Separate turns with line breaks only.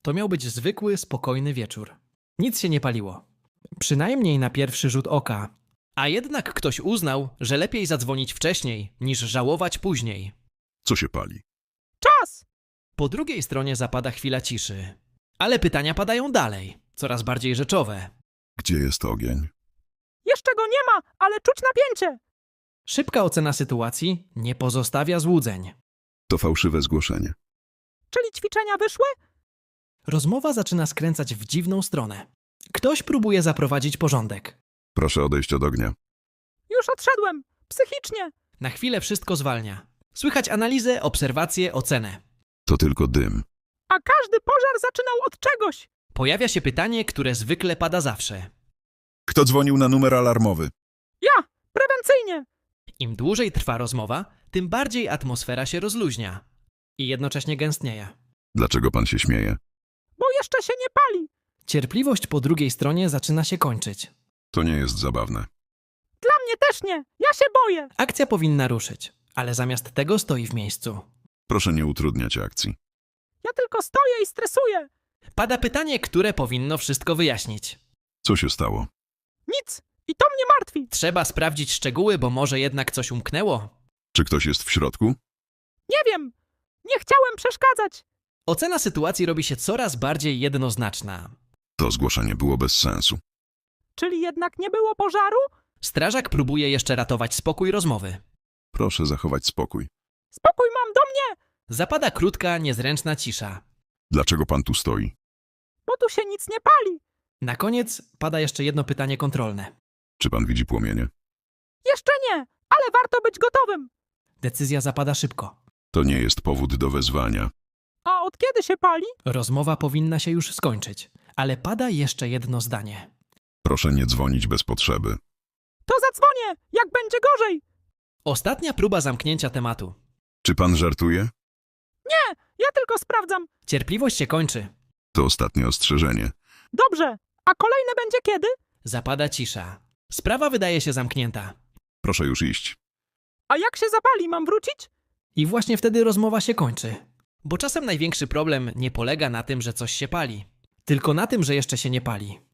To miał być zwykły, spokojny wieczór. Nic się nie paliło. Przynajmniej na pierwszy rzut oka. A jednak ktoś uznał, że lepiej zadzwonić wcześniej, niż żałować później.
Co się pali?
Czas!
Po drugiej stronie zapada chwila ciszy. Ale pytania padają dalej, coraz bardziej rzeczowe.
Gdzie jest ogień?
Jeszcze go nie ma, ale czuć napięcie.
Szybka ocena sytuacji nie pozostawia złudzeń.
To fałszywe zgłoszenie.
Czyli ćwiczenia wyszły?
Rozmowa zaczyna skręcać w dziwną stronę. Ktoś próbuje zaprowadzić porządek.
Proszę odejść od ognia.
Już odszedłem. Psychicznie.
Na chwilę wszystko zwalnia. Słychać analizę, obserwacje, ocenę.
To tylko dym.
A każdy pożar zaczynał od czegoś.
Pojawia się pytanie, które zwykle pada zawsze.
Kto dzwonił na numer alarmowy?
Ja! Prewencyjnie!
Im dłużej trwa rozmowa, tym bardziej atmosfera się rozluźnia. I jednocześnie gęstnieje.
Dlaczego pan się śmieje?
Bo jeszcze się nie pali.
Cierpliwość po drugiej stronie zaczyna się kończyć.
To nie jest zabawne.
Dla mnie też nie. Ja się boję.
Akcja powinna ruszyć, ale zamiast tego stoi w miejscu.
Proszę nie utrudniać akcji.
Ja tylko stoję i stresuję.
Pada pytanie, które powinno wszystko wyjaśnić.
Co się stało?
Nic. I to mnie martwi.
Trzeba sprawdzić szczegóły, bo może jednak coś umknęło.
Czy ktoś jest w środku?
Nie wiem. Nie chciałem przeszkadzać.
Ocena sytuacji robi się coraz bardziej jednoznaczna.
To zgłoszenie było bez sensu.
Czyli jednak nie było pożaru?
Strażak próbuje jeszcze ratować spokój rozmowy.
Proszę zachować spokój.
Spokój mam do mnie,
Zapada krótka, niezręczna cisza.
Dlaczego pan tu stoi?
bo tu się nic nie pali.
Na koniec pada jeszcze jedno pytanie kontrolne.
Czy pan widzi płomienie?
Jeszcze nie, ale warto być gotowym.
Decyzja zapada szybko.
To nie jest powód do wezwania.
A od kiedy się pali?
Rozmowa powinna się już skończyć, ale pada jeszcze jedno zdanie.
Proszę nie dzwonić bez potrzeby.
To zadzwonię, jak będzie gorzej.
Ostatnia próba zamknięcia tematu.
Czy pan żartuje?
Nie, ja tylko sprawdzam.
Cierpliwość się kończy.
To ostatnie ostrzeżenie.
Dobrze, a kolejne będzie kiedy?
Zapada cisza. Sprawa wydaje się zamknięta.
Proszę już iść.
A jak się zapali, mam wrócić?
I właśnie wtedy rozmowa się kończy. Bo czasem największy problem nie polega na tym, że coś się pali, tylko na tym, że jeszcze się nie pali.